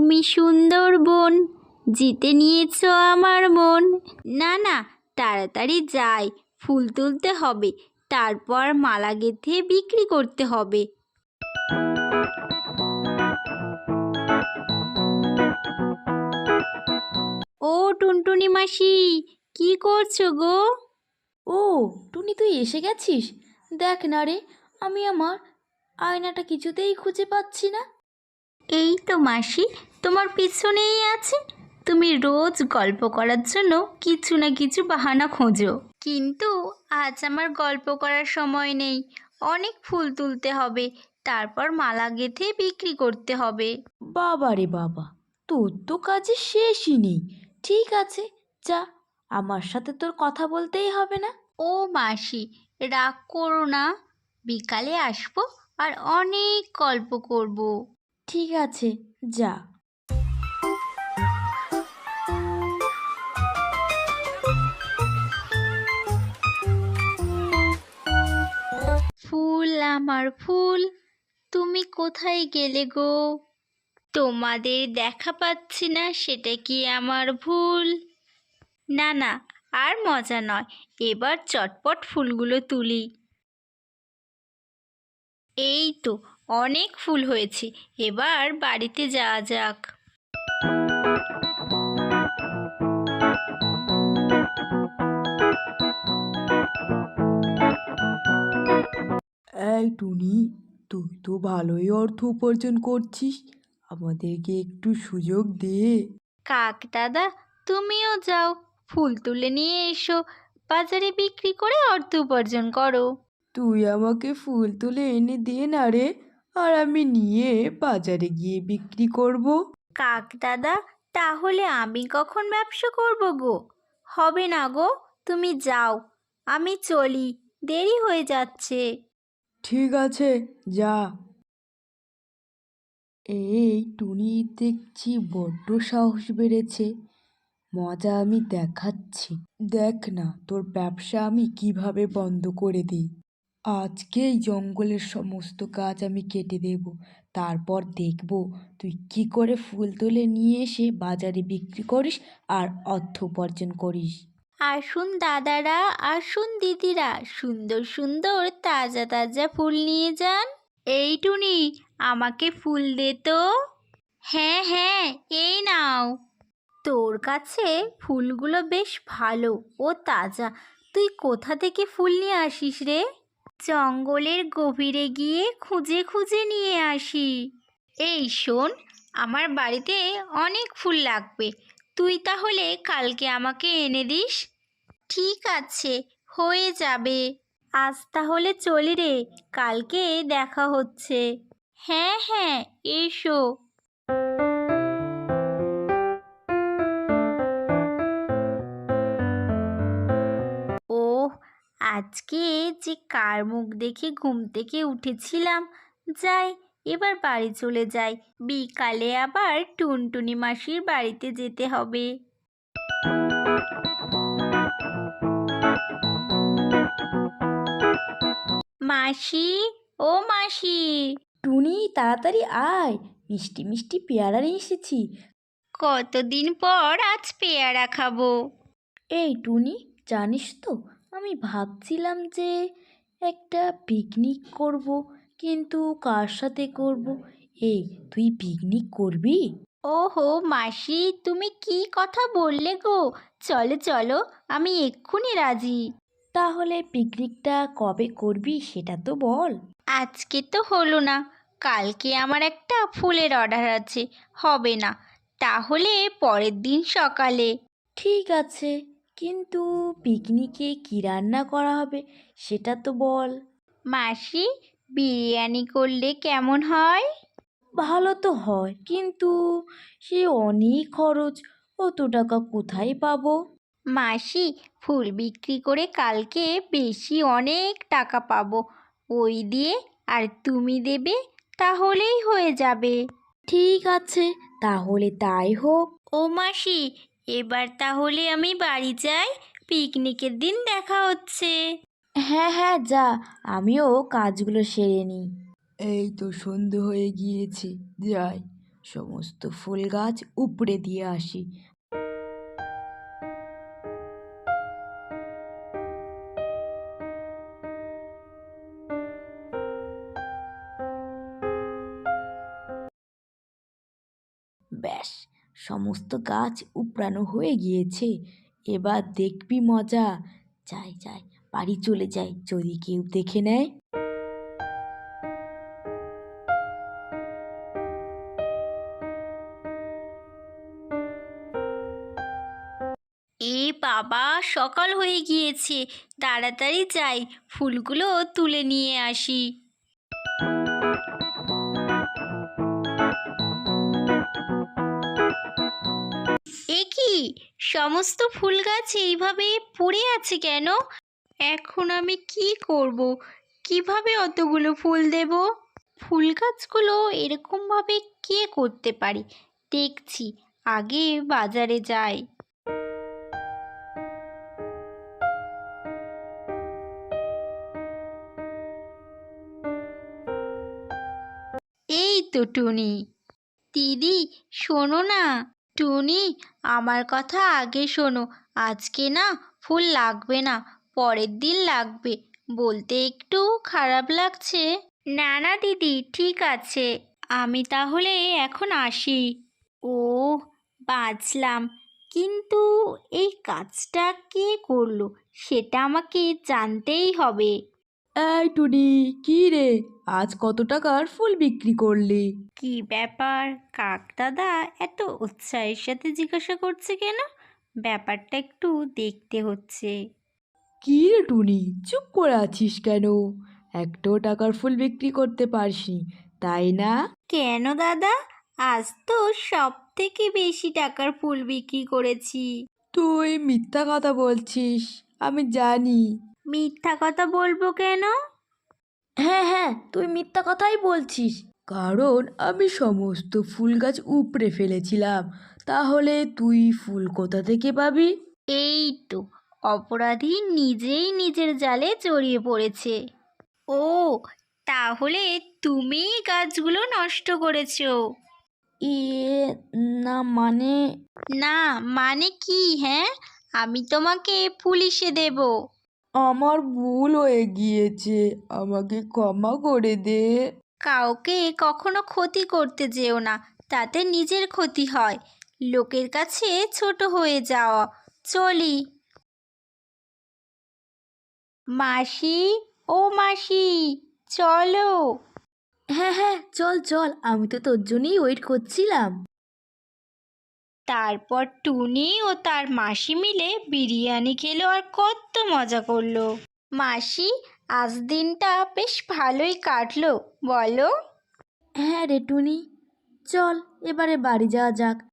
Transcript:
তুমি সুন্দর বোন, জিতে নিয়েছো আমার মন। না না, তাড়াতাড়ি যাই, ফুল তুলতে হবে, তারপর মালা গেঁথে বিক্রি করতে হবে। ও টুনটুনি মাসি, কি করছো গো? ও টুনি, তুই এসে গেছিস? দেখ না রে, আমি আমার আয়নাটা কিছুতেই খুঁজে পাচ্ছি না। এই তো মাসি, তোমার পিছনেই আছে। তুমি রোজ গল্প করার জন্য কিছু না কিছু বাহানা খোঁজো, কিন্তু আজ আমার গল্প করার সময় নেই। অনেক ফুল তুলতে হবে, তারপর মালা গেঁথে বিক্রি করতে হবে। বাবা রে বাবা, তোর তো কাজে শেষই নেই। ঠিক আছে, যা, আমার সাথে তোর কথা বলতেই হবে না। ও মাসি, রাগ করো না, বিকালে আসবো আর অনেক গল্প করব। ঠিক আছে, যা। ফুল আমার ফুল, তুমি কোথায় গেলে গো? তোমাদের দেখা পাচ্ছি না, সেটা কি আমার ভুল? না না, আর মজা নয়, এবার চটপট ফুলগুলো তুলি। এই তো, অনেক ফুল হয়েছে, এবার বাড়িতে যাওয়া যাক। এই টুনি, তুই তো ভালোই অর্থ উপার্জন করছিস, আমাদেরকে একটু সুযোগ দে। কাক দাদা, তুমিও যাও, ফুল তুলে নিয়ে এসো, বাজারে বিক্রি করে অর্থ উপার্জন করো। তুই আমাকে ফুল তুলে এনে দে না রে, আর আমি নিয়ে বাজারে গিয়ে বিক্রি করব। কাক দাদা, তাহলে আমি কখন ব্যবসা করব গো? হবে না গো, তুমি যাও, আমি চলি, দেরি হয়ে যাচ্ছে। ঠিক আছে, যা। এই টুনি দেখছি বড্ড সাহস বেড়েছে, মজা আমি দেখাচ্ছি। দেখ না তোর ব্যবসা আমি কিভাবে বন্ধ করে দিই। আজকেই জঙ্গলের সমস্ত গাছ আমি কেটে দেব, তারপর দেখব তুই কি করে ফুল তুলে নিয়ে এসে বাজারে বিক্রি করিস আর অর্থ উপার্জন করিস। আসুন দাদারা, আসুন দিদিরা, সুন্দর সুন্দর তাজা তাজা ফুল নিয়ে যান। এই টুনি, আমাকে ফুল দে তো। হ্যাঁ হ্যাঁ, এই নাও। তোর কাছে ফুলগুলো বেশ ভালো ও তাজা, তুই কোথা থেকে ফুল নিয়ে আসিস রে? জঙ্গলের গভীরে গিয়ে খুঁজে খুঁজে নিয়ে আসি। এই শোন, আমার বাড়িতে অনেক ফুল লাগবে, তুই তাহলে কালকে আমাকে এনে দিস। ঠিক আছে, হয়ে যাবে। আজ তাহলে চলি রে, কালকে দেখা হচ্ছে। হ্যাঁ হ্যাঁ, এসো। ওহ, আজকে যে কার মুখ দেখে ঘুম থেকে উঠেছিলাম। যাই, এবার বাড়ি চলে যাই, বিকালে আবার টুনটুনি মাসির বাড়িতে যেতে হবে। মাসি, ও মাসি। টুনি, তাড়াতাড়ি আয়, মিষ্টি মিষ্টি পেয়ারা নিয়ে এসেছি। কতদিন পর আজ পেয়ারা খাবো। এই টুনি, জানিস তো, আমি ভাবছিলাম যে একটা পিকনিক করব, কিন্তু কার সাথে করব? এই, তুই পিকনিক করবি? ওহো মাসি, তুমি কি কথা বললে গো? চলো চলো, আমি এক্ষুনি রাজি। তাহলে পিকনিকটা কবে করবি সেটা তো বল। আজকে তো হলো না, কালকে আমার একটা ফুলের অর্ডার আছে, হবে না, তাহলে পরের দিন সকালে। ঠিক আছে, কিন্তু পিকনিকে কি রান্না করা হবে সেটা তো বল। মাসি, বিরিয়ানি করলে কেমন হয়? ভালো তো হয়, কিন্তু সে অনেক খরচ, অত টাকা কোথায় পাবো? মাসি, ফুল বিক্রি করে কালকে বেশি অনেক টাকা পাবো, ওই দিয়ে আর তুমি দেবে, তাহলেই হয়ে যাবে। ঠিক আছে, তাহলে তাই হোক। ও মাসি, এবার তাহলে আমি বাড়ি যাই, পিকনিকের দিন দেখা হচ্ছে। হ্যাঁ হ্যাঁ, যা, আমিও কাজগুলো সেরে নিই। এই তো সন্ধে হয়ে গিয়েছে, যাই, সমস্ত ফুল গাছ উপড়ে দিয়ে আসি। ব্যাস, সমস্ত গাছ উপড়ানো হয়ে গিয়েছে। এবার দেখবি মজা। যাই যাই, বাড়ি চলে যাই, যদি কেউ দেখে নেয়। এ বাবা, সকাল হয়ে গিয়েছে, তাড়াতাড়ি যাই, ফুলগুলো তুলে নিয়ে আসি। এ কি, সমস্ত ফুল গাছ এইভাবে পড়ে আছে কেন? এখন আমি কি করব? কিভাবে অতগুলো ফুল দেব? ফুল গাছগুলো এরকমভাবে কে করতে পারে? দেখছি, আগে বাজারে যাই। এই তো টুনি। দিদি, শোনো না। টুনি, আমার কথা আগে শোনো। আজকে না ফুল লাগবে না, পরের দিন লাগবে। বলতে একটু খারাপ লাগছে। না না দিদি, ঠিক আছে, আমি তাহলে এখন আসি। ও, বাঁচলাম। কিন্তু এই কাজটা কে করলো সেটা আমাকে জানতেই হবে। এই টুনি, কি রে, আজ কত টাকার ফুল বিক্রি করলি? কি ব্যাপার, কাক দাদা এত উৎসাহের সাথে জিজ্ঞাসা করছে কেন? ব্যাপারটা একটু দেখতে হচ্ছে। কি রে টুনি, চুপ করে আছিস কেন? একটাও টাকার ফুল বিক্রি করতে পারসনি, তাই না? কেন দাদা, আজ তো সব থেকে বেশি টাকার ফুল বিক্রি করেছি। তুই মিথ্যা কথা বলছিস, আমি জানি। মিথ্যা কথা বলবো কেন? হ্যাঁ হ্যাঁ, তুই মিথ্যা কথাই বলছিস। কারণ আমি সমস্ত ফুল গাছ উপড়ে ফেলেছিলাম। তাহলে তুই ফুল কোথা থেকে পাবি? এই তো, অপরাধী নিজেই নিজের জালে জড়িয়ে পড়েছে। ও, তাহলে তুমিই গাছগুলো নষ্ট করেছো? ইয়ে, না মানে, না মানে কি? হ্যাঁ, আমি তোমাকে পুলিশে দেব। আমার ভুল হয়ে গিয়েছে, আমাকে ক্ষমা করে দে। কাউকে কখনো ক্ষতি করতে যেও না, তাতে নিজের ক্ষতি হয়। লোকের কাছে ছোট হয়ে যাওয়া। চলি। মাসি, ও মাসি, চলো। হ্যাঁ হ্যাঁ, চল চল, আমি তো তোর জন্যই ওয়েট করছিলাম। তারপর টুনি ও তার মাসি মিলে বিরিয়ানি খেলো আর কত মজা করলো। মাসি, আজ দিনটা বেশ ভালোই কাটলো, বলো? হ্যাঁ রে টুনি, চল এবারে বাড়ি যাওয়া যাক।